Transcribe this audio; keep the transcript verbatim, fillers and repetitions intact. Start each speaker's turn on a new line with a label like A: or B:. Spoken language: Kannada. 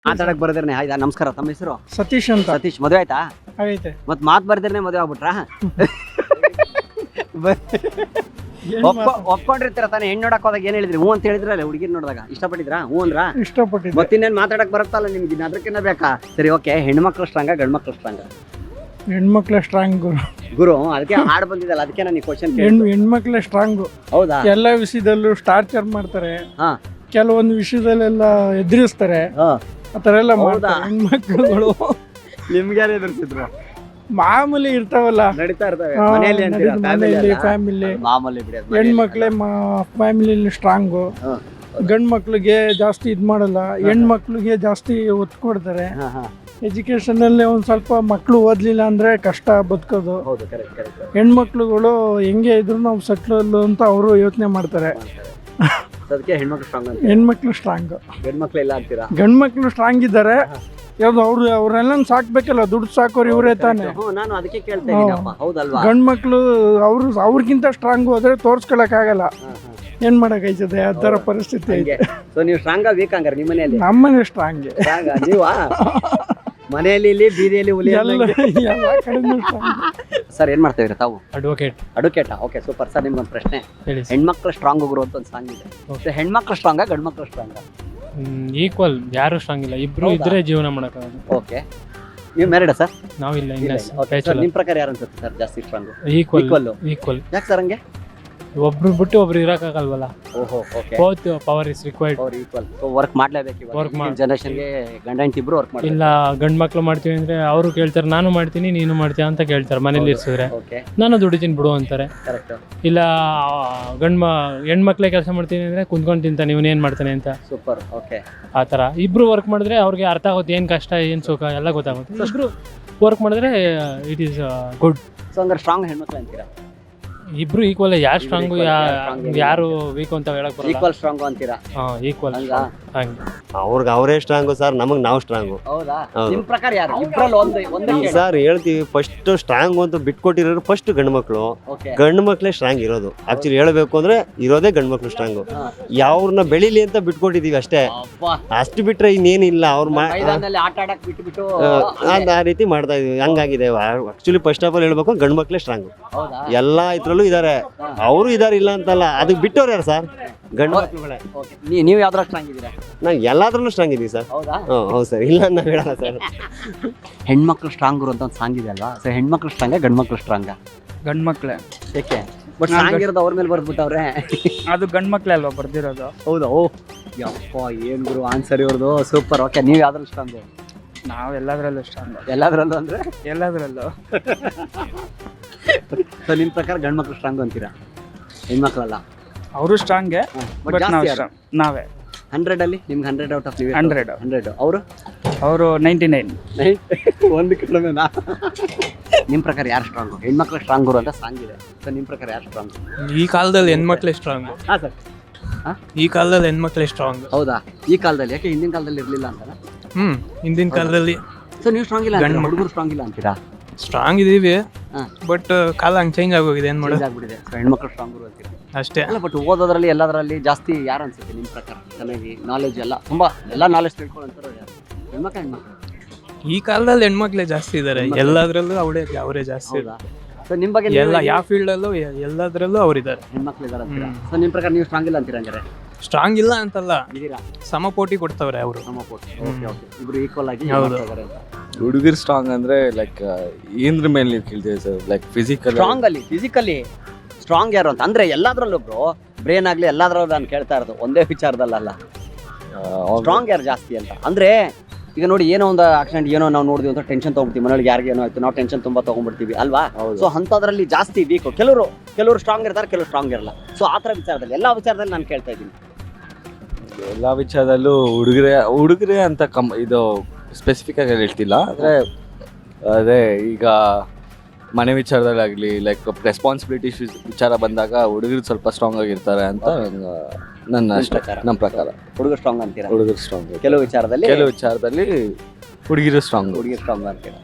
A: ಮಾತಾಡಕ್ ಬರ್ದಿರ್ನೆ ಆಯ್ತಾ? ನಮಸ್ಕಾರ, ತಮ್ಮ ಹೆಸರು?
B: ಸತೀಶ್ ಅಂತ.
A: ಸತೀಶ್, ಮದುವೆ ಆಯ್ತಾ?
B: ಆಗೈತೆ.
A: ಮತ್ ಮಾತ್ ಬರ್ದಿರ್ನೆ ಮದುವೆ ಆಗ್ಬಿಟ್ರಾ? ಒಪ್ಕೊಂಡಿರ್ತೀರ ತಾನೇ? ಹೆಣ್ಣು ನೋಡಕ್ ಹೋದಾಗ ಏನ್ ಹೇಳಿದ್ರಿ? ಹ್ಞೂ ಅಂತ ಹೇಳಿದ್ರಲ್ಲ ಹುಡುಗಿರ್ ನೋಡಿದಾಗ? ಇಷ್ಟಪಟ್ಟಿದ್ರಾ? ಹ್ಞೂ ಅಂದ್ರ?
B: ಇಷ್ಟಪಟ್ಟಿದ್ದೆ.
A: ಮತ್ತಿನ್ನೇನ್ ಮಾತಾಡಕ್ ಬರುತ್ತಲ್ಲ ನಿಮ್ಗೆ, ಅದಕ್ಕಿನ್ನ ಬೇಕಾ? ಸರಿ, ಓಕೆ. ಹೆಣ್ಮಕ್ಳು ಸ್ಟ್ರಾಂಗ ಗಂಡ್ ಮಕ್ಳು ಸ್ಟ್ರಾಂಗ?
B: ಹೆಣ್ಮಕ್ಳ ಸ್ಟ್ರಾಂಗ್ ಗುರು.
A: ಗುರು ಅದಕ್ಕೆ ಹಾಡ್ ಬಂದಿದ್ದಲ್ಲ, ಅದಕ್ಕೆ ನಾನು ಕ್ವಶನ್
B: ಹೆಣ್ಣು ಹೆಣ್ಮಕ್ಳ ಸ್ಟ್ರಾಂಗು.
A: ಹೌದಾ?
B: ಎಲ್ಲ ವಿಷಯದಲ್ಲೂ ಟಾರ್ಚರ್ ಮಾಡ್ತಾರೆ,
A: ಹಾ,
B: ಕೆಲವೊಂದು ವಿಷಯದಲ್ಲೆಲ್ಲ ಎದುರಿಸ್ತಾರೆ, ಆ ಥರ ಎಲ್ಲ ಮಾಡ್ತಾರೆ ಹೆಣ್ಮಕ್ಳುಗಳು.
A: ನಿಮ್ಗೆ ಯಾರು ಎದುರಿಸಿದ್ರು?
B: ಮಾಮೂಲಿ ಇರ್ತಾವಲ್ಲ,
A: ನಡೀತಾ ಇರ್ತವೆ
B: ಹಾ,
A: ಮನೆಯಲ್ಲಿ ಅಂತೀರಾ?
B: ಮನೆಯಲ್ಲಿ
A: ಫ್ಯಾಮಿಲಿ
B: ಫ್ಯಾಮಿಲಿ.
A: ಮಾಮೂಲಿ ಬಿಡಿ ಅದು.
B: ಹೆಣ್ಮಕ್ಳೇ ಫ್ಯಾಮಿಲಿಲಿ ಸ್ಟ್ರಾಂಗು.
A: ಹಾ.
B: ಗಂಡು ಮಕ್ಳಿಗೆ ಜಾಸ್ತಿ ಇದು ಮಾಡಲ್ಲ, ಹೆಣ್ಮಕ್ಳಿಗೆ ಜಾಸ್ತಿ ಒತ್ತು ಕೊಡ್ತಾರೆ.
A: ಹಾ, ಹಾ.
B: ಎಜುಕೇಷನಲ್ಲಿ ಒಂದು ಸ್ವಲ್ಪ ಮಕ್ಕಳು ಓದಲಿಲ್ಲ ಅಂದರೆ ಕಷ್ಟ ಬದುಕೋದು.
A: ಹೌದು, ಕರೆಕ್ಟ್ ಕರೆಕ್ಟ್.
B: ಹೆಣ್ಮಕ್ಳುಗಳು ಹೆಂಗೆ ಇದ್ರು ನಾವು ಸೆಟ್ಲ್ ಅಂತ ಅವರು ಯೋಚನೆ ಮಾಡ್ತಾರೆ.
A: ಅದಕ್ಕೆ ಹೆಣ್ಮಕ್ಳು ಸ್ಟ್ರಾಂಗ್ ಅಂತ.
B: ಹೆಣ್ಮಕ್ಳು ಸ್ಟ್ರಾಂಗ್,
A: ಗಂಡ್ಮಕ್ಳು ಇಲ್ಲ ಅಂತೀರಾ?
B: ಗಂಡು ಮಕ್ಳು ಸ್ಟ್ರಾಂಗ್ ಇದ್ದಾರೆ. ಯಾವ್ದು ಅವ್ರು ಅವ್ರೆಲ್ಲ ಸಾಕ್ಬೇಕಲ್ಲ, ದುಡ್ಡು ಸಾಕೋರು ಇವರೇ ತಾನೆ.
A: ಹ್ಞೂ, ನಾನು ಅದಕ್ಕೆ ಕೇಳ್ತಾ ಇದ್ದೀನಪ್ಪ. ಹೌದಲ್ವಾ?
B: ಗಂಡು ಮಕ್ಳು ಅವ್ರು ಅವ್ರಿಗಿಂತ ಸ್ಟ್ರಾಂಗ್ ಹೋದ್ರೆ ತೋರ್ಸ್ಕೊಳಕ್ಕಾಗಲ್ಲ.
A: ಹಾ, ಹಾ.
B: ಏನ್ ಮಾಡಕ್ಕಾಯ್ತದೆ, ಆ ಥರ ಪರಿಸ್ಥಿತಿ ಐತೆ.
A: ಸೊ ನೀವು ಸ್ಟ್ರಾಂಗ್ ವೀಕ್ ಹಂಗಾರೆ ನಿಮ್ಮ ಮನೆಯಲ್ಲಿ?
B: ನಮ್ಮನೆ ಸ್ಟ್ರಾಂಗ್.
A: ಸ್ಟ್ರಾಂಗ್ ನೀವಾ? ಮನೆಯಲ್ಲಿ ಇಲ್ಲಿ ಬೀದಿಯಲ್ಲಿ ಹುಲಿ
B: ಎಲ್ಲ ಎಲ್ಲ ಕಡೆನೂ ಸ್ಟ್ರಾಂಗ್.
A: ಸರ್, ಏನ್ ಮಾಡ್ತಾ ಇದ್ದೀರಾ ತಾವು?
C: ಅಡ್ವೊಕೇಟ್.
A: ಅಡ್ವೊಕೇಟಾ? Okay, super. ಸರ್, ನಿಮ್ಗೊಂದು ಪ್ರಶ್ನೆ.
C: ಹೇಳಿ.
A: ಹೆಣ್ಮಕ್ಳು ಸ್ಟ್ರಾಂಗ್ ಗುರು ಅಂತ ಒಂದು ಸಾಂಗ್ ಇದೆ. ಸೊ ಹೆಣ್ಮಕ್ಳು ಸ್ಟ್ರಾಂಗ ಗಂಡ್ ಮಕ್ಳು ಸ್ಟ್ರಾಂಗ?
C: ಈಕ್ವಲ್, ಯಾರು ಸ್ಟ್ರಾಂಗ್ ಇಲ್ಲ, ಇಬ್ರು
A: ಹೌದಾ?
C: ಇದ್ರೆ ಜೀವನ ಮಾಡಕ್ಕಾಗಲ್ಲ.
A: ಓಕೆ. ನೀವು ಮ್ಯಾರಿಡಾ ಸರ್?
C: ನಾವಿಲ್ಲ,
A: ಇಲ್ಲ,
C: ಇನ್ನ
A: ಇಲ್ಲ. Okay, sir, ನಿಮ್ ಪ್ರಕಾರ ಯಾರು ಅನ್ಸುತ್ತೆ ಸರ್ ಜಾಸ್ತಿ ಸ್ಟ್ರಾಂಗ್?
C: Equal
A: Equal.
C: ಈಕ್ವಲ್.
A: ಯಾಕೆ ಸರ್ ಹಂಗೆ?
C: ಒಬ್ರು ಬಿಟ್ಟು ಒಬ್ರು ಇರಕ್ಕಾಗಲ್ವಲ್ಲ.
A: ಓಹೋ, okay.
C: Both power is required.
A: ಅವ್ರು ಈಕ್ವಲ್. ಸೊ ವರ್ಕ್ ಮಾಡ್ಲೇಬೇಕು ಇವಾಗ.
C: Work ಮಾಡ್-
A: ಜನರೇಷನ್ಗೆ ಗಂಡ ಹೆಂಡತಿ ಇಬ್ರು ವರ್ಕ್ ಮಾಡ್ತಾರೆ.
C: ಇಲ್ಲ, ಗಂಡ್ ಮಕ್ಳು ಮಾಡ್ತೀವಿ ಅಂದ್ರೆ ಅವರು ಕೇಳ್ತಾರೆ, ನಾನು ಮಾಡ್ತೀನಿ ನೀನು ಮಾಡ್ತೀಯ ಅಂತ ಕೇಳ್ತಾರೆ. ಮನೇಲಿ ಇರ್ಸಿದ್ರೆ
A: ಓಕೆ,
C: ನಾನು ದುಡಿತೀನಿ ಬಿಡು ಅಂತಾರೆ.
A: ಕರೆಕ್ಟ್.
C: ಇಲ್ಲ, ಗಂಡ್ ಮ ಹೆಣ್ಮಕ್ಳೇ ಕೆಲಸ ಮಾಡ್ತೀನಿ ಅಂದ್ರೆ ಕುಂತ್ಕೊಂಡು ತಿಂತಾನೆ, ಇವನು ಏನ್ ಮಾಡ್ತಾನೆ ಅಂತ.
A: ಸೂಪರ್. ಓಕೆ.
C: ಆ ಥರ ಇಬ್ರು ವರ್ಕ್ ಮಾಡಿದ್ರೆ ಅವ್ರಿಗೆ ಅರ್ಥ ಆಗುತ್ತೆ, ಏನು ಕಷ್ಟ ಏನು ಸುಖ ಎಲ್ಲ ಗೊತ್ತಾಗುತ್ತೆ. ಇಬ್ರು ವರ್ಕ್ ಮಾಡಿದ್ರೆ ಇಟ್ ಈಸ್ ಗುಡ್.
A: ಸೊ ಹಂಗಾರೆ ಸ್ಟ್ರಾಂಗ್ ಹೆಣ್ಮಕ್ಳು ಅಂತೀರಾ?
C: ಇಬ್ರು ಈಕ್ವಲ್. ಯಾರು ಸ್ಟ್ರಾಂಗು
A: equal, ಯಾರು strong ಏನಿಲ್ಲ.
C: ಯಾರು ವೀಕ್ ಅಂತ ಹೇಳಕ್ ಬರಲ್ಲ.
A: ಈಕ್ವಲ್ ಸ್ಟ್ರಾಂಗ್ ಅಂತೀರಾ?
C: ಹಾ, ಈಕ್ವಲ್.
A: ಹಂಗಾ?
C: ಹಂಗೆ
D: ಅವ್ರಿಗೆ ಅವರೇ ಸ್ಟ್ರಾಂಗು ಸರ್, ನಮಗೆ ನಾವು ಸ್ಟ್ರಾಂಗು.
A: ಹೌದಾ?
D: ಹೌದು.
A: ನಿಮ್ ಪ್ರಕಾರ ಯಾರು? ಇಬ್ರಲ್ಲಿ ಒಂದು ಒಂದೇ ಕೇಳಿ.
D: ಸರ್ ಹೇಳ್ತೀವಿ, ಫಸ್ಟ್ ಸ್ಟ್ರಾಂಗ್ ಅಂತ ಬಿಟ್ಕೊಟ್ಟಿರೋರು ಫಸ್ಟ್ ಗಂಡು ಮಕ್ಕಳು.
A: ಓಕೆ.
D: ಗಂಡು ಮಕ್ಳೇ ಸ್ಟ್ರಾಂಗ್ ಇರೋದು. ಆಕ್ಚುಲಿ ಹೇಳಬೇಕು ಅಂದ್ರೆ ಇರೋದೇ ಗಂಡು ಮಕ್ಳು ಸ್ಟ್ರಾಂಗು. ಯಾವ್ರನ್ನ ಬೆಳಿಲಿ ಅಂತ ಬಿಟ್ಕೊಟ್ಟಿದೀವಿ ಅಷ್ಟೇ.
A: ಅಬ್ಬಾ.
D: ಅಷ್ಟು ಬಿಟ್ರೆ ಇನ್ನೇನಿಲ್ಲ. ಅವ್ರ
A: ಮೈದಾನದಲ್ಲಿ ಆಟ ಆಡಕ್ ಬಿಟ್ಟು ಬಿಟ್ಟು
D: ಆ ರೀತಿ ಮಾಡ್ತಾ ಇದೀವಿ. ಹಂಗಾಗಿದೆ. ಆಕ್ಚುಲಿ ಫಸ್ಟ್ ಆಫ್ ಆಲ್ ಹೇಳ್ಬೇಕು, ಗಂಡು ಮಕ್ಳೇ ಸ್ಟ್ರಾಂಗ್.
A: ಹೌದಾ?
D: ಎಲ್ಲಾ ಇದ್ರಲ್ಲೂ ಇದಾರೆ, ಅವರು ಇದಾರೆ, ಇಲ್ಲ ಅಂತಲ್ಲ. ಅದಕ್ಕೆ ಬಿಟ್ಟವ್ರು ಯಾರು ಸರ್? ಗಂಡು ಮಕ್ಳುಗಳೇ.
A: ಓಕೆ. ನೀ- ನೀವು ಯಾವ್ದ್ರ ಸ್ಟ್ರಾಂಗ್ ಇದ್ದೀರಾ?
D: ನಾವು ಎಲ್ಲಾದ್ರಲ್ಲೂ ಸ್ಟ್ರಾಂಗ್ ಇದೀವಿ ಸರ್.
A: ಹೌದಾ?
D: ಹ್ಞೂ ಹೌದು ಸರ್, ಇಲ್ಲ ಅಂತ ಹೇಳಲ್ಲ ಸರ್.
A: ಹೆಣ್ಮಕ್ಳು ಸ್ಟ್ರಾಂಗ್ ಅಂತ ಒಂದು ಸಾಂಗ್ ಇದೆ ಅಲ್ವಾ? ಸೊ ಹೆಣ್ಮಕ್ಳು ಸ್ಟ್ರಾಂಗ ಗಂಡ್ ಮಕ್ಳು ಸ್ಟ್ರಾಂಗ?
E: ಗಂಡ್ ಮಕ್ಳೆ.
A: ಏಕೆ? ಬಟ್ ಸ್ಟ್ರಾಂಗ್ ಇರೋದು ಅವ್ರ ಮೇಲೆ ಬರ್ದ್ಬಿಟ್ಟವ್ರೆ.
E: ಅದು ಗಂಡ್ ಮಕ್ಳೆ ಅಲ್ವಾ ಬರ್ದಿರೋದು?
A: ಹೌದಾ? ಓ ಯಪ್ಪ, ಏನ್ ಗುರು ಆನ್ಸರ್ ಇವ್ರದು. ಸೂಪರ್. ಓಕೆ, ನೀವು ಯಾವ್ದ್ರಲ್ಲಿ ಸ್ಟ್ರಾಂಗು?
E: ನಾವ್ ಎಲ್ಲದ್ರಲ್ಲೂ ಸ್ಟ್ರಾಂಗ್.
A: ಎಲ್ಲಾದ್ರಲ್ಲೂ ಅಂದ್ರೆ?
E: ಎಲ್ಲದ್ರಲ್ಲೂ.
A: ಸೊ ನಿಮ್ ಪ್ರಕಾರ ಗಂಡ್ ಮಕ್ಳು ಸ್ಟ್ರಾಂಗ್ ಅಂತೀರಾ? ಹೆಣ್ಮಕ್ಳಲ್ಲ?
E: ಅವರು ಸ್ಟ್ರಾಂಗೆ,
A: ಬಟ್
E: ಬಟ್ ನಾವ್
A: ಜಾಸ್ತಿ
E: strong. ನಾವೇ
A: ಹಂಡ್ರೆಡ್ ಅಲ್ಲಿ ನಿಮ್ಗೆ ಹಂಡ್ರೆಡ್ ಔಟ್ ಆಫ್ ನೀವು?
E: ಹಂಡ್ರೆಡ್.
A: ಹಂಡ್ರೆಡ್. ಅವರು
E: ಅವರು ನೈಂಟಿ ನೈನ್.
A: ಒಂದು ಕಡಿಮೆನಾ? ನಿಮ್ ಪ್ರಕಾರ ಯಾರು ಸ್ಟ್ರಾಂಗು? ಹೆಣ್ಮಕ್ಳು ಸ್ಟ್ರಾಂಗ್ ಗುರು ಅಂತ ಸಾಂಗ್ ಇದೆ. ಸೊ ನಿಮ್ ಪ್ರಕಾರ ಯಾರು ಸ್ಟ್ರಾಂಗ್?
C: ಈ ಕಾಲದಲ್ಲಿ ಹೆಣ್ಮಕ್ಳೇ ಸ್ಟ್ರಾಂಗ್.
A: ಹಾ ಸರ್.
C: ಈ ಕಾಲದಲ್ಲಿ ಹೆಣ್ಮಕ್ಳೇ ಸ್ಟ್ರಾಂಗ್.
A: ಹೌದಾ? ಈ ಕಾಲದಲ್ಲಿ? ಯಾಕೆ ಹಿಂದಿನ ಕಾಲದಲ್ಲಿ ಇರ್ಲಿಲ್ಲ ಅಂತ?
C: ಹ್ಮ್ ಹಿಂದಿನ ಕಾಲದಲ್ಲಿ
A: ಸೊ ನೀವು ಸ್ಟ್ರಾಂಗ್ ಇಲ್ಲ ಅಂತೀರಾ? ಹುಡುಗರು ಸ್ಟ್ರಾಂಗ್ ಇಲ್ಲ ಅಂತೀರಾ?
C: ಸ್ಟ್ರಾಂಗ್ ಇದೀವಿ,
A: ಹಾ.
C: ಬಟ್ ಕಾಲ ಹಂಗೆ ಚೇಂಜ್ ಆಗೋಗಿದೆ. ಏನ್ ಮಾಡೋದು
A: ಚೇಂಜ್ ಆಗ್ಬಿಟ್ಟಿದೆ. ಸೊ ಹೆಣ್ಮಕ್ಳು ಸ್ಟ್ರಾಂಗ್ ಗುರು ಅಂತೀರಾ?
C: ಅಷ್ಟೇ.
A: ಅಲ್ಲ, ಬಟ್ ಓದೋದ್ರಲ್ಲಿ ಎಲ್ಲದರಲ್ಲಿ ಜಾಸ್ತಿ ಯಾರು ಅನ್ಸುತ್ತೆ ನಿಮ್ ಪ್ರಕಾರ? ಚೆನ್ನಾಗಿ ನಾಲೆಜ್ ಎಲ್ಲ ತುಂಬಾ ಎಲ್ಲ ನಾಲೆಜ್ ತಿಳ್ಕೊಳ್ಳೋಂಥವ್ರು ಯಾರು? ಹೆಣ್ಮಕ್ಳು ಹೆಣ್ಮಕ್ಳು?
C: ಈ ಕಾಲದಲ್ಲಿ ಹೆಣ್ಮಕ್ಳೇ ಜಾಸ್ತಿ ಇದಾರೆ. ಎಲ್ಲದ್ರಲ್ಲೂ ಅವಳೇ ಅವರೇ ಜಾಸ್ತಿ.
A: ಹೌದಾ? ಸೊ ನಿಮ್ ಬಗ್ಗೆ
C: ಎಲ್ಲ ಯಾವ ಫೀಲ್ಡ್ ಅಲ್ಲೂ ಎಲ್ಲದ್ರಲ್ಲೂ ಅವ್ರಿದ್ದಾರೆ.
A: ಹೆಣ್ಮಕ್ಳು ಇದಾರೆ ಅಂತೀರಾ? ಸೊ ನಿಮ್ ಪ್ರಕಾರ ನೀವು ಸ್ಟ್ರಾಂಗ್ ಇಲ್ಲ ಅಂತೀರಾ ಹಂಗಾರೆ?
C: ಸ್ಟ್ರಾಂಗ್ ಇಲ್ಲ ಅಂತಲ್ಲ,
A: ಇದೀರಾ?
C: ಸಮಪೋಟಿ ಕೊಡ್ತಾವ್ರೆ ಅವರು.
A: ಸಮಪೋಟಿ. Okay, okay. ಇಬ್ರು ಈಕ್ವಲ್ ಆಗಿ
C: ಹೌದು.
A: ಇದ್ದಾರೆ ಅಂತ.
F: ಹುಡುಗರು ಸ್ಟ್ರಾಂಗ್ ಅಂದ್ರೆ ಲೈಕ್ ಏನ್ರ ಮೇಲೆ ನೀವು ಕೇಳ್ತೀವಿ ಸರ್? ಲೈಕ್ ಫಿಸಿಕಲ್
A: ಸ್ಟ್ರಾಂಗ್ ಅಲ್ಲಿ ಫಿಸಿಕಲಿ ಸ್ಟ್ರಾಂಗ್ ಯಾರು ಅಂತ ಅಂದ್ರೆ ಎಲ್ಲಾದ್ರಲ್ಲೂ ಬ್ರೋ, ಬ್ರೇನ್ ಆಗ್ಲಿ ಎಲ್ಲಾದ್ರಲ್ಲೂ ನಾನು ಕೇಳ್ತಾ ಇರೋದು ಒಂದೇ ವಿಚಾರದಲ್ಲ. ಸ್ಟ್ರಾಂಗ್ ಯಾರು ಜಾಸ್ತಿ ಅಂತ ಅಂದ್ರೆ ಈಗ ನೋಡಿ, ಏನೋ ಒಂದು ಆಕ್ಸಿಡೆಂಟ್ ಏನೋ ನಾವು ನೋಡಿದ್ವಿ ಅಂತ ಟೆನ್ಷನ್ ತಗೊಂಡ್ಬಿಡ್ತೀವಿ. ಮನೆಯೊಳಗೆ ಯಾರಿಗೆ ಏನೋ ಆಯ್ತು, ನಾವು ಟೆನ್ಷನ್ ತುಂಬಾ ತಗೊಂಡ್ಬಿಡ್ತೀವಿ ಅಲ್ವಾ? ಸೊ ಅಂಥದ್ರಲ್ಲಿ ಜಾಸ್ತಿ ವೀಕ್. ಕೆಲವರು ಕೆಲವರು ಸ್ಟ್ರಾಂಗ್ ಇರ್ತಾರೆ, ಕೆಲವರು ಸ್ಟ್ರಾಂಗ್ ಇರಲ್ಲ. ಸೊ ಆ ಥರ ವಿಚಾರದಲ್ಲಿ ಎಲ್ಲ ವಿಚಾರದಲ್ಲಿ ನಾನು ಕೇಳ್ತಾ ಇದ್ದೀನಿ.
F: ಎಲ್ಲ ವಿಚಾರದಲ್ಲೂ ಹುಡುಗರೇ ಹುಡುಗರೇ ಅಂತ ಕಮ್ ಇದು ಸ್ಪೆಸಿಫಿಕ್ ಆಗಿ ಹೇಳ್ತಿಲ್ಲ. ಅಂದರೆ ಅದೇ ಈಗ ಮನೆ ವಿಚಾರದಲ್ಲಾಗಲಿ, ಲೈಕ್ ರೆಸ್ಪಾನ್ಸಿಬಿಲಿಟೀಸ್ ವಿಚಾರ ಬಂದಾಗ ಹುಡುಗರು ಸ್ವಲ್ಪ ಸ್ಟ್ರಾಂಗ್ ಆಗಿರ್ತಾರೆ ಅಂತ ನನ್ನ ಅಷ್ಟೇ, ನಮ್ಮ ಪ್ರಕಾರ.
A: ಹುಡುಗರು ಸ್ಟ್ರಾಂಗ್ ಅಂತೀರಾ?
F: ಹುಡುಗರು ಸ್ಟ್ರಾಂಗ್.
A: ಕೆಲವು ವಿಚಾರದಲ್ಲಿ
F: ಕೆಲವು ವಿಚಾರದಲ್ಲಿ ಹುಡುಗಿರು ಸ್ಟ್ರಾಂಗ್.
A: ಹುಡುಗಿ ಸ್ಟ್ರಾಂಗ್ ಅಂತೀರಾ?